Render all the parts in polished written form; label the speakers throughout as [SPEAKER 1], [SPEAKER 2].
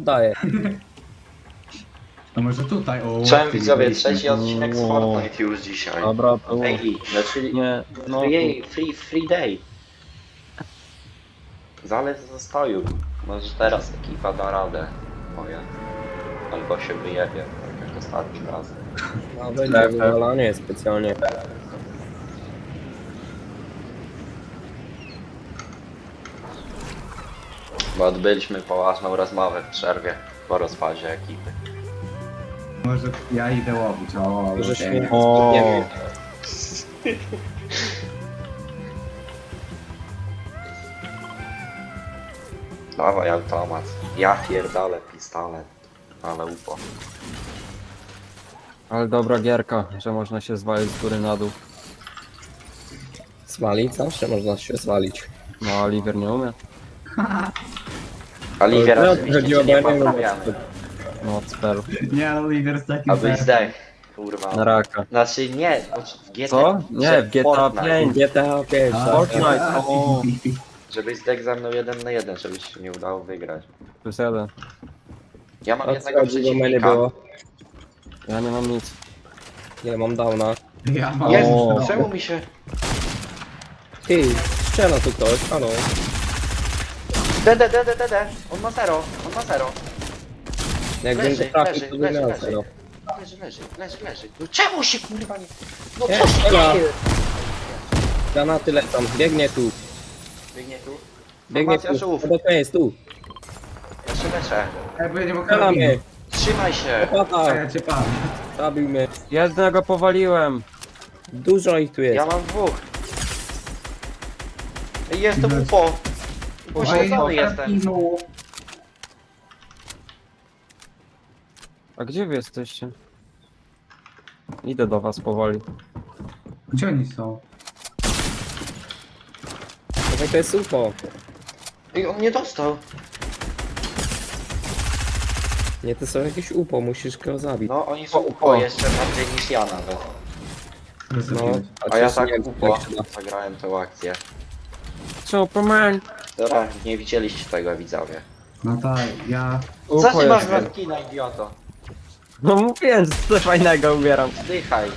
[SPEAKER 1] oddaję.
[SPEAKER 2] No może tutaj, o.
[SPEAKER 3] Cześć
[SPEAKER 2] ty
[SPEAKER 3] widzowie,
[SPEAKER 2] byliśmy.
[SPEAKER 3] trzeci odcinek z Fortnite już dzisiaj.
[SPEAKER 4] Dobra, to
[SPEAKER 3] Daily, znaczy
[SPEAKER 4] nie, no
[SPEAKER 3] free day. Zalew zastoju. Może teraz ekipa da radę. Moja. Albo się wyjebie, tak jak ostatnim razem.
[SPEAKER 1] No będzie wywalanie specjalnie.
[SPEAKER 3] Bo odbyliśmy poważną rozmowę w przerwie po rozpadzie ekipy.
[SPEAKER 2] Może ja idę łowić, o.
[SPEAKER 1] Może
[SPEAKER 2] okej.
[SPEAKER 1] śmiech,
[SPEAKER 4] O.
[SPEAKER 1] nie wiem.
[SPEAKER 3] Dawaj automat. Ja pierdolę pistolet. Ale upo.
[SPEAKER 4] ale dobra gierka, że można się zwalić z góry na dół.
[SPEAKER 1] Zwalić? Zawsze można się zwalić.
[SPEAKER 4] No, Oliver nie umie.
[SPEAKER 3] Oliwier
[SPEAKER 1] No,
[SPEAKER 3] oczywiście
[SPEAKER 1] chodziło
[SPEAKER 3] cię nie
[SPEAKER 1] o mnie,
[SPEAKER 3] poprawiamy.
[SPEAKER 4] No, cpel.
[SPEAKER 2] Nie, Oliver z takim
[SPEAKER 3] Abyś
[SPEAKER 2] sercem.
[SPEAKER 3] zdech. Kurwa.
[SPEAKER 4] Na raka.
[SPEAKER 3] Znaczy nie, w GTA...
[SPEAKER 4] Co? Nie, w GTA
[SPEAKER 3] Fortnite.
[SPEAKER 4] 5.
[SPEAKER 1] GTA 5,
[SPEAKER 2] A,
[SPEAKER 1] tak.
[SPEAKER 4] Fortnite, o.
[SPEAKER 3] Żebyś zdech ze mną 1 na 1, żeby się nie udało wygrać.
[SPEAKER 4] Plus jeden.
[SPEAKER 3] Ja mam
[SPEAKER 1] O co
[SPEAKER 3] jednego
[SPEAKER 1] chodzi, bo mnie nie
[SPEAKER 3] przeciwnika.
[SPEAKER 1] było.
[SPEAKER 4] Ja nie mam nic.
[SPEAKER 1] Ja mam downa.
[SPEAKER 2] Ja mam.
[SPEAKER 3] Jest,
[SPEAKER 4] O.
[SPEAKER 3] czemu mi się...
[SPEAKER 1] Ty, strzela tu ktoś, halo.
[SPEAKER 3] DD. On ma 0, on ma 0.
[SPEAKER 1] Jak
[SPEAKER 3] Leży,
[SPEAKER 1] będzie trafił,
[SPEAKER 3] leży,
[SPEAKER 1] to
[SPEAKER 3] leży,
[SPEAKER 1] wymiał
[SPEAKER 3] leży.
[SPEAKER 1] zero.
[SPEAKER 3] Leży. No czemu się kurwa nie... No
[SPEAKER 1] Nie,
[SPEAKER 3] co się
[SPEAKER 1] strzela.
[SPEAKER 3] dzieje?
[SPEAKER 1] Granaty lecą, biegnie tu.
[SPEAKER 3] Biegnie tu.
[SPEAKER 1] Biegnie
[SPEAKER 3] Formacja
[SPEAKER 1] tu.
[SPEAKER 3] żółw.
[SPEAKER 1] To jest tu.
[SPEAKER 3] Ja się leczę.
[SPEAKER 2] Ej, bo ja nie mogę
[SPEAKER 1] Strzela mnie.
[SPEAKER 2] robić.
[SPEAKER 3] Trzymaj się.
[SPEAKER 2] A
[SPEAKER 1] Pata,
[SPEAKER 2] ja cię pamiętam.
[SPEAKER 1] zabił mnie.
[SPEAKER 4] Jednego powaliłem.
[SPEAKER 1] Dużo ich tu jest.
[SPEAKER 3] Ja mam dwóch. Ej, jestem upo. Pośledzony jestem.
[SPEAKER 4] A gdzie wy jesteście? Idę do was powoli.
[SPEAKER 2] Gdzie oni są?
[SPEAKER 1] To jest UFO.
[SPEAKER 3] Ej, on nie dostał.
[SPEAKER 1] Nie, to są jakieś UFO, musisz go zabić.
[SPEAKER 3] No, oni są upo jeszcze bardziej niż ja nawet.
[SPEAKER 1] No,
[SPEAKER 3] A ja
[SPEAKER 1] coś
[SPEAKER 3] tak
[SPEAKER 1] nie wiem,
[SPEAKER 3] upo
[SPEAKER 1] jak się da.
[SPEAKER 3] zagrałem tę akcję.
[SPEAKER 4] Superman!
[SPEAKER 3] Dobra, nie widzieliście tego widzowie.
[SPEAKER 2] No tak, ja...
[SPEAKER 3] Co ty masz
[SPEAKER 4] jestem.
[SPEAKER 3] na skina, idioto?
[SPEAKER 4] No mówiłem, że coś fajnego ubieram.
[SPEAKER 3] Zdychaj.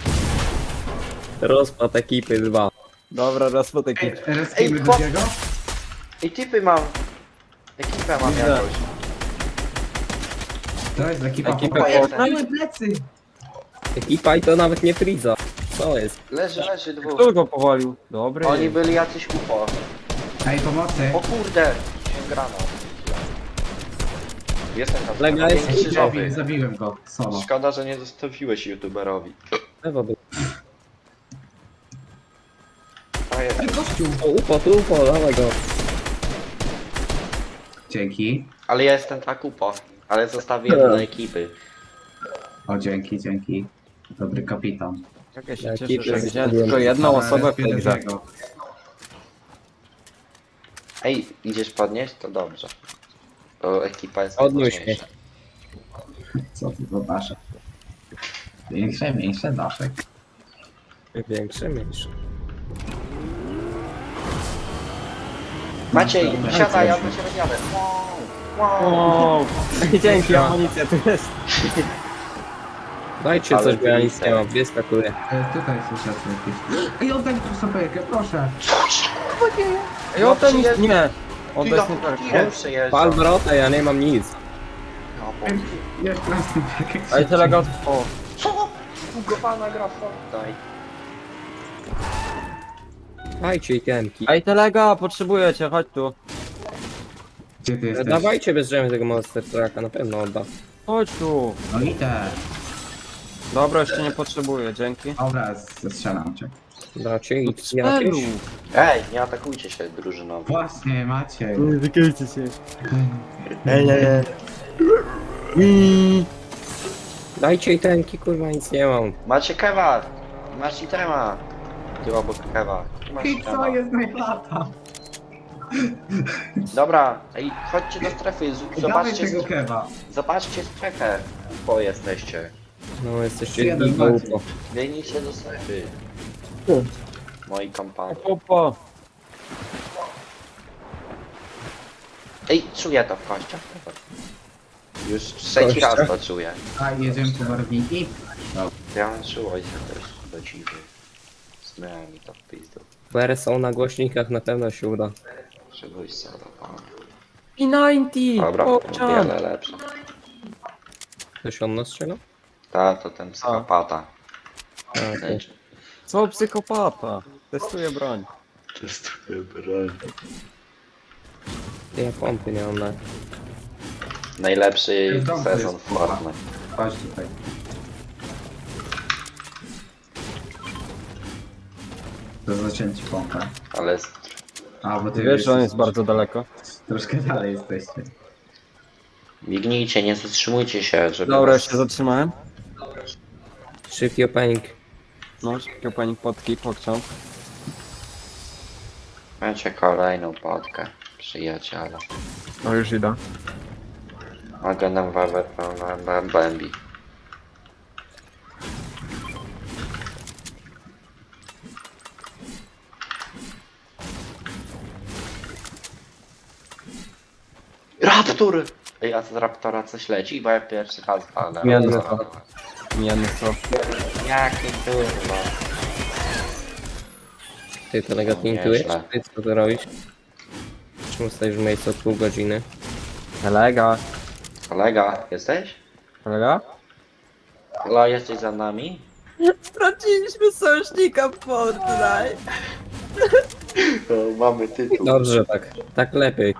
[SPEAKER 1] Rozpad ekipy 2.
[SPEAKER 4] Dobra, raz po takiej.
[SPEAKER 2] Reskimy
[SPEAKER 3] Ej,
[SPEAKER 2] drugiego?
[SPEAKER 3] Ej, typy mam. Ekipę mam
[SPEAKER 4] Widzę.
[SPEAKER 3] jakąś.
[SPEAKER 2] To jest ekipa
[SPEAKER 4] Ekipę
[SPEAKER 2] chłopaków.
[SPEAKER 3] Fortnite.
[SPEAKER 2] Ej, plecy!
[SPEAKER 1] Ekipa i to nawet nie Friza. Co jest?
[SPEAKER 3] Leży dwóch.
[SPEAKER 4] Kto go powalił? Dobry.
[SPEAKER 3] Oni byli jacyś upo.
[SPEAKER 2] Ej, pomocy!
[SPEAKER 3] O kurde! Się grano. Jestem tam.
[SPEAKER 1] Lega jest
[SPEAKER 3] krzyżowy.
[SPEAKER 2] Zabiłem go, solo.
[SPEAKER 3] Szkoda, że nie zostawiłeś youtuberowi.
[SPEAKER 1] Lewo był.
[SPEAKER 3] A jest.
[SPEAKER 2] Ej, gościu!
[SPEAKER 1] O, UFO, tu UFO, dawaj go.
[SPEAKER 2] Dzięki.
[SPEAKER 3] Ale ja jestem tak upo. Ale zostawiłem dla ekipy.
[SPEAKER 2] O, dzięki. Dobry kapitan.
[SPEAKER 4] Jak ja się
[SPEAKER 1] Jaki
[SPEAKER 4] cieszę, że
[SPEAKER 1] jest
[SPEAKER 4] widziałem
[SPEAKER 1] problem?
[SPEAKER 4] tylko jedną osobę w tej grze.
[SPEAKER 2] drugiego.
[SPEAKER 3] Ej, idziesz podnieść? To dobrze. To ekipa jest
[SPEAKER 1] Odnoś
[SPEAKER 3] najważniejsza.
[SPEAKER 2] Co ty za daszek? Mniejsze daszek.
[SPEAKER 1] Większe, mniejsze.
[SPEAKER 3] Maciej, siadaj, ja do ciebie jadę. Wow.
[SPEAKER 4] O, dzięki, amunicja tu jest.
[SPEAKER 1] Dajcie
[SPEAKER 3] Ale
[SPEAKER 1] coś, bo ja nic
[SPEAKER 3] widzę.
[SPEAKER 1] nie mam. Gdzie skakuję?
[SPEAKER 2] Tutaj słyszę jakieś. Ej, oddaj mi tu saperkę, proszę!
[SPEAKER 4] Ej, oddaj mi...
[SPEAKER 3] przyjeżdż-
[SPEAKER 4] Nie.
[SPEAKER 3] Ty
[SPEAKER 4] Oddaj
[SPEAKER 3] ja
[SPEAKER 4] snajperkę.
[SPEAKER 3] tirem przejeżdżam.
[SPEAKER 1] Pal wrota, ja nie mam nic.
[SPEAKER 3] No,
[SPEAKER 2] Jest plastik, jak
[SPEAKER 4] Ej, telegat... O.
[SPEAKER 3] co? Bugowana gra w Fortnite.
[SPEAKER 1] Dajcie itemki.
[SPEAKER 4] Ej, telega, potrzebuję cię, chodź tu.
[SPEAKER 2] Gdzie ty jesteś?
[SPEAKER 1] Dawajcie bez drzemy tego Monster Trucka, na pewno odda.
[SPEAKER 4] Chodź tu.
[SPEAKER 2] No idę.
[SPEAKER 4] Dobra, jeszcze nie potrzebuję, dzięki.
[SPEAKER 2] Dobra, zestrzelam cię.
[SPEAKER 1] Dacie i
[SPEAKER 4] Spelu.
[SPEAKER 1] jakieś?
[SPEAKER 3] Ej, nie atakujcie się drużynowo.
[SPEAKER 2] Właśnie, Maciej.
[SPEAKER 4] Wykajcie się.
[SPEAKER 1] Dajcie itemki, kurwa, nic nie mam.
[SPEAKER 3] Macie kewa. Masz itema. Ty obok kewa. Masz
[SPEAKER 2] I co
[SPEAKER 3] itema.
[SPEAKER 2] jest najlata?
[SPEAKER 3] Dobra, ej, chodźcie do strefy.
[SPEAKER 2] Dawaj
[SPEAKER 3] Zobaczcie,
[SPEAKER 2] tego kewa.
[SPEAKER 3] zobaczcie strefę. Bo jesteście.
[SPEAKER 1] No, jesteście
[SPEAKER 2] Jeden
[SPEAKER 1] giga
[SPEAKER 2] Maciej.
[SPEAKER 1] UFO.
[SPEAKER 3] Biegnijcie do strefy. Moi kompani.
[SPEAKER 4] Opa.
[SPEAKER 3] Ej, czuję to w kościach. Już trzeci raz to czuję.
[SPEAKER 2] A, jedziemy po barwniki?
[SPEAKER 3] Ja mam czułość też do ciebie. Zmyłem mi to w pizdu.
[SPEAKER 1] BR są na głośnikach, na pewno się uda.
[SPEAKER 3] Czegoś co do pana.
[SPEAKER 4] I 90!
[SPEAKER 3] Dobra,
[SPEAKER 4] Popczan!
[SPEAKER 3] wiele lepsze.
[SPEAKER 1] Ktoś on nas strzela?
[SPEAKER 3] Ta, to ten psychopata.
[SPEAKER 1] A, okej.
[SPEAKER 4] Co psychopata? Testuję broń.
[SPEAKER 3] Testuję broń.
[SPEAKER 1] Ja pompy nie mam na...
[SPEAKER 3] Najlepszy
[SPEAKER 2] W domku
[SPEAKER 3] sezon
[SPEAKER 2] jest
[SPEAKER 3] w Fortnite.
[SPEAKER 2] Chodź tutaj. To zaciąłem ci pompę.
[SPEAKER 3] Ale
[SPEAKER 2] A, bo ty
[SPEAKER 4] Wiesz, że on
[SPEAKER 2] jesteś-
[SPEAKER 4] jest bardzo daleko.
[SPEAKER 2] Troszkę dalej jesteście.
[SPEAKER 3] mignijcie, nie zatrzymujcie się, żeby
[SPEAKER 4] Dobra,
[SPEAKER 3] was...
[SPEAKER 4] już się zatrzymałem.
[SPEAKER 1] Szybki opening.
[SPEAKER 4] No, szybko pani potki, pokciąg.
[SPEAKER 3] Macie kolejną podkę, przyjaciele.
[SPEAKER 4] No już idę.
[SPEAKER 3] Mogę nam Bambi. Raptor! Ej, a z Raptora coś leci? Bo ja pierwszy raz ale...
[SPEAKER 4] Nie, no to. Nie, no co?
[SPEAKER 3] Jaki kurwa.
[SPEAKER 1] Ty to negatywnie
[SPEAKER 3] Nieźle.
[SPEAKER 1] intujesz? Ty co ty robisz? Czemu stoisz w miejscu od pół godziny?
[SPEAKER 4] Kolega.
[SPEAKER 3] Kolega, jesteś?
[SPEAKER 4] Kolega?
[SPEAKER 3] Halo, jesteś za nami?
[SPEAKER 4] Straciliśmy sojusznika w Fortnite.
[SPEAKER 3] To mamy tytuł.
[SPEAKER 1] Dobrze, tak. Tak lepiej.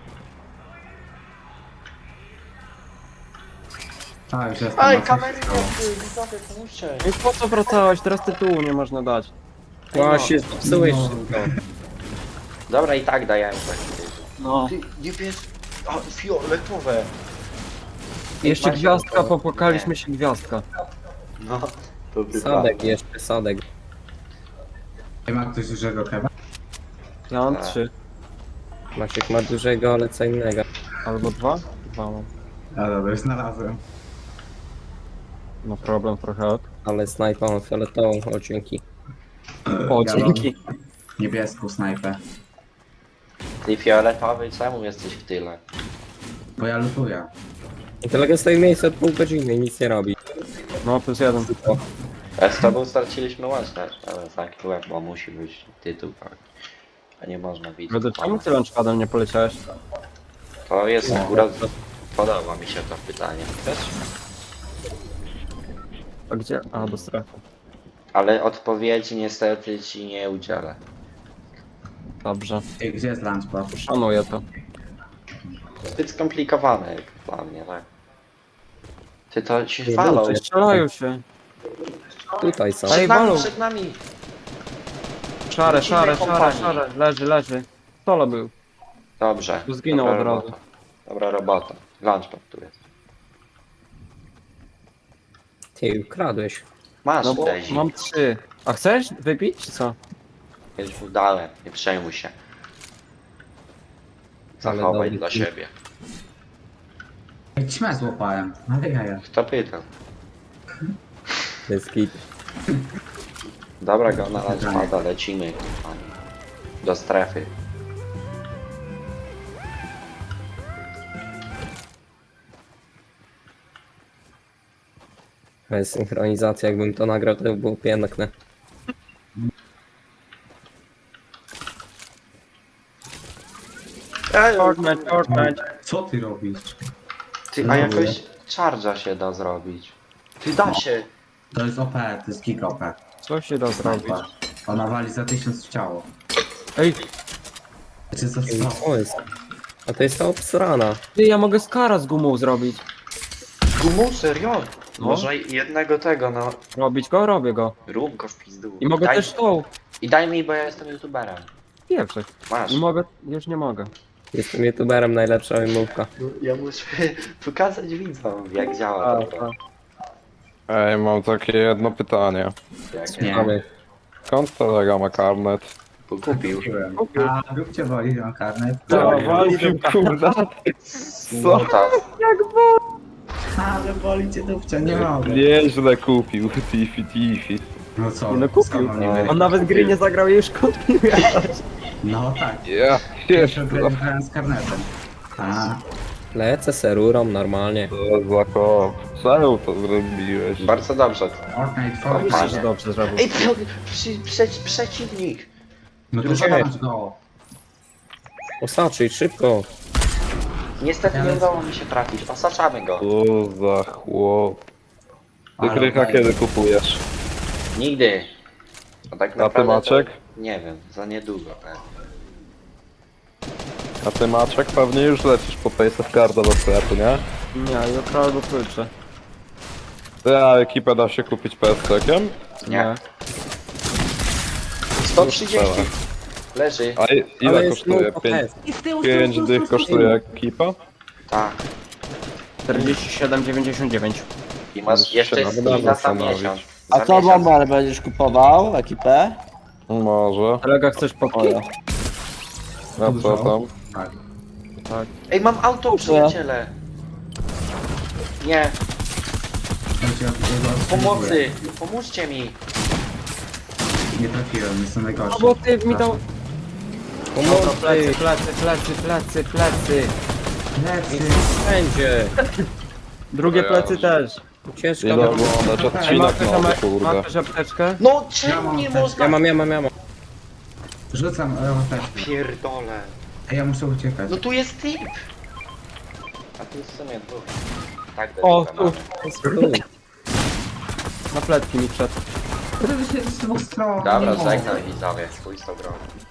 [SPEAKER 2] A, już jestem.
[SPEAKER 3] Ej,
[SPEAKER 2] na coś
[SPEAKER 3] kamery
[SPEAKER 2] stało.
[SPEAKER 3] widzowie, pomóżcie.
[SPEAKER 4] No i po co wracałeś? Teraz tytułu nie można dać.
[SPEAKER 1] Właśnie, zepsułeś
[SPEAKER 2] No.
[SPEAKER 1] wszystko.
[SPEAKER 3] Dobra, i tak dajemy taki tytuł.
[SPEAKER 4] No.
[SPEAKER 3] Ty, niebieski... A, fioletowe.
[SPEAKER 4] Jeszcze
[SPEAKER 3] Macie
[SPEAKER 4] gwiazdka,
[SPEAKER 3] gotowe?
[SPEAKER 4] popłakaliśmy się gwiazdka.
[SPEAKER 3] No, to by
[SPEAKER 1] Sadek jeszcze, sadek.
[SPEAKER 2] Nie ma ktoś dużego kewa?
[SPEAKER 4] Ja mam
[SPEAKER 3] Tak.
[SPEAKER 4] 3.
[SPEAKER 1] Maciek ma dużego, ale co innego.
[SPEAKER 4] Albo 2? 2 mam.
[SPEAKER 2] A dobra, już znalazłem.
[SPEAKER 4] No problem trochę.
[SPEAKER 1] Ale snajpa mam fioletową, o dzięki.
[SPEAKER 4] O,
[SPEAKER 2] Ja mam
[SPEAKER 4] dzięki.
[SPEAKER 2] Niebieską snajpę.
[SPEAKER 3] Ty fioletowy, czemu jesteś w tyle?
[SPEAKER 2] Bo ja lutuję.
[SPEAKER 1] I kolega stoi w miejscu od pół godziny i nic nie robi.
[SPEAKER 4] No, +1.
[SPEAKER 3] A z tobą straciliśmy łączność, ale taki łeb, bo musi być tytuł, tak. A nie można widzieć.
[SPEAKER 4] Wtedy czemu ty launchpadem nie poleciałeś?
[SPEAKER 3] To jest akurat... Podoba mi się to pytanie. Też?
[SPEAKER 4] A gdzie? A, do strefy.
[SPEAKER 3] Ale odpowiedzi niestety ci nie udzielę.
[SPEAKER 4] Dobrze.
[SPEAKER 2] Ej, gdzie jest lunchpad?
[SPEAKER 4] Szanuję to.
[SPEAKER 3] Zbyt skomplikowane jak dla mnie, tak? Ty to się
[SPEAKER 1] Nie
[SPEAKER 3] falą.
[SPEAKER 1] dobrze.
[SPEAKER 4] Strzelają się.
[SPEAKER 1] Tutaj są.
[SPEAKER 4] Ej,
[SPEAKER 3] Przed nami,
[SPEAKER 4] walą.
[SPEAKER 3] przed nami!
[SPEAKER 4] Szare, szare, szare,
[SPEAKER 3] kompanii.
[SPEAKER 4] szare. Leży, leży. Solo był.
[SPEAKER 3] Dobrze.
[SPEAKER 4] Tu zginął
[SPEAKER 3] dobra
[SPEAKER 4] od razu.
[SPEAKER 3] robota. Dobra robota. Lunchpad tu jest.
[SPEAKER 1] Ty, ukradłeś.
[SPEAKER 3] Masz,
[SPEAKER 4] No bo
[SPEAKER 3] Daisy.
[SPEAKER 4] mam 3. A chcesz wypić, czy co?
[SPEAKER 3] Już mu dałem, nie przejmuj się.
[SPEAKER 1] Ale
[SPEAKER 3] Zachowaj
[SPEAKER 1] dobry
[SPEAKER 3] dla
[SPEAKER 1] film.
[SPEAKER 3] siebie.
[SPEAKER 2] Ej, ćmę złapałem. Ale jaja.
[SPEAKER 3] Kto pytał?
[SPEAKER 1] Bez kit.
[SPEAKER 3] Dobra, go na lunchpada, lecimy. kochani. Do strefy.
[SPEAKER 1] Synchronizacja, jakbym to nagrał, to by było piękne.
[SPEAKER 4] Fortnite, Fortnite.
[SPEAKER 2] Co ty robisz?
[SPEAKER 3] Ty, a jakoś charge'a się da zrobić. Ty da się.
[SPEAKER 2] To jest OP, to jest kick OP.
[SPEAKER 4] Co się da zrobić?
[SPEAKER 2] Snajpa. Ona wali za 1000 w ciało.
[SPEAKER 4] Ej,
[SPEAKER 2] Wiecie co
[SPEAKER 1] Ej,
[SPEAKER 2] to?
[SPEAKER 1] co jest? A to jest ta obsrana.
[SPEAKER 4] ty, ja mogę skara z gumą zrobić.
[SPEAKER 3] Gumu, serio?
[SPEAKER 4] No.
[SPEAKER 3] Może jednego tego, no.
[SPEAKER 4] Robić go, robię go.
[SPEAKER 3] Rób go w pizdu.
[SPEAKER 4] I mogę
[SPEAKER 3] daj,
[SPEAKER 4] też tą.
[SPEAKER 3] I daj mi, bo ja jestem youtuberem.
[SPEAKER 4] Pierwszy.
[SPEAKER 3] Masz.
[SPEAKER 4] I mogę, już nie mogę.
[SPEAKER 1] Jestem youtuberem, najlepsza wymówka.
[SPEAKER 3] Ja muszę pokazać widzom, jak działa to.
[SPEAKER 5] Ej, mam takie jedno pytanie.
[SPEAKER 3] Jak
[SPEAKER 2] Nie.
[SPEAKER 1] Mamy.
[SPEAKER 5] Skąd kolega ma karnet?
[SPEAKER 3] kupił.
[SPEAKER 2] Kupiłem. A, róbcie woli, mam karnet.
[SPEAKER 5] Kurda.
[SPEAKER 3] No tak.
[SPEAKER 2] Ale woli cię dupcia, nie mogę.
[SPEAKER 5] Nieźle kupił, Tiffy.
[SPEAKER 2] No co?
[SPEAKER 4] No kupił.
[SPEAKER 2] skąd mam nie
[SPEAKER 3] No.
[SPEAKER 2] wiedzieć?
[SPEAKER 4] On nawet gry nie zagrał i już kontynuuje.
[SPEAKER 2] No tak.
[SPEAKER 5] Ja
[SPEAKER 2] Pierwszy
[SPEAKER 5] jeszcze.
[SPEAKER 2] grałem z karnetem. A,
[SPEAKER 1] Lecę serurą normalnie.
[SPEAKER 5] To za kop. Czemu to zrobiłeś?
[SPEAKER 3] Bardzo dobrze.
[SPEAKER 2] Fortnite,
[SPEAKER 3] O,
[SPEAKER 2] Fortnite.
[SPEAKER 4] Myślę,
[SPEAKER 3] panie.
[SPEAKER 4] że dobrze zrobił.
[SPEAKER 3] Ej, przeciwnik!
[SPEAKER 2] No to
[SPEAKER 3] drużyna.
[SPEAKER 2] zobacz go.
[SPEAKER 1] Osaczyj, szybko.
[SPEAKER 3] Niestety nie udało mi się trafić, osaczamy go.
[SPEAKER 5] Co za chłop. Ty
[SPEAKER 2] Ale
[SPEAKER 5] krycha
[SPEAKER 2] okej.
[SPEAKER 5] kiedy kupujesz?
[SPEAKER 3] Nigdy. A tak
[SPEAKER 5] A ty
[SPEAKER 3] naprawdę
[SPEAKER 5] Maciek?
[SPEAKER 3] To, nie wiem, za niedługo.
[SPEAKER 5] A ty Maciek pewnie już lecisz po Pace of Carda do sklepu, nie?
[SPEAKER 4] Nie, jutro albo pojutrze.
[SPEAKER 5] Ty, a ekipę da się kupić PS-tekiem?
[SPEAKER 3] Nie. 130.
[SPEAKER 5] Strzela.
[SPEAKER 3] Leży.
[SPEAKER 5] A ile
[SPEAKER 1] Ale jest
[SPEAKER 5] kosztuje?
[SPEAKER 1] no,
[SPEAKER 5] 5
[SPEAKER 2] I z tyłu,
[SPEAKER 5] 5 dych kosztuje ekipa?
[SPEAKER 3] Tak.
[SPEAKER 4] 47,99.
[SPEAKER 3] I masz
[SPEAKER 5] Możesz
[SPEAKER 3] jeszcze
[SPEAKER 5] się
[SPEAKER 3] jest
[SPEAKER 5] naprawdę
[SPEAKER 3] i za
[SPEAKER 5] zastanowić.
[SPEAKER 3] miesiąc.
[SPEAKER 6] A
[SPEAKER 3] Za
[SPEAKER 6] co
[SPEAKER 3] miesiąc.
[SPEAKER 6] Bomber będziesz kupował? Ekipę?
[SPEAKER 5] Może.
[SPEAKER 4] Kolega, chcesz popki?
[SPEAKER 6] Ojo.
[SPEAKER 5] A co tam?
[SPEAKER 2] Tak.
[SPEAKER 3] Ej, mam auto, przyjaciele. Nie,
[SPEAKER 2] Słuchajcie, ja go
[SPEAKER 3] pomocy. Pomóżcie mi.
[SPEAKER 2] Nie trafiłem, jestem najgorszy.
[SPEAKER 4] No bo ty mi dał...
[SPEAKER 1] Pomocy.
[SPEAKER 4] Plecy.
[SPEAKER 2] Lecy.
[SPEAKER 1] Wszędzie.
[SPEAKER 4] Drugie
[SPEAKER 3] O ja.
[SPEAKER 4] plecy też.
[SPEAKER 1] Ucieczka.
[SPEAKER 5] Idę oglądać odcinek nowy, kurde.
[SPEAKER 4] Masz też apteczkę?
[SPEAKER 3] No czemu nie można?
[SPEAKER 1] Ja mam.
[SPEAKER 2] Rzucam apteczkę.
[SPEAKER 3] Pierdolę.
[SPEAKER 2] Ej, ja muszę uciekać.
[SPEAKER 3] No tu jest typ. A tu jest w sumie dwóch. Tak,
[SPEAKER 4] O,
[SPEAKER 3] dwóch
[SPEAKER 4] tu.
[SPEAKER 3] mamy.
[SPEAKER 1] Tu.
[SPEAKER 4] Na pletki mi wszedł.
[SPEAKER 2] To się z dwóch stron.
[SPEAKER 3] Dobra,
[SPEAKER 2] nie mogę.
[SPEAKER 3] żegnaj widzowie, chuj z tą grą.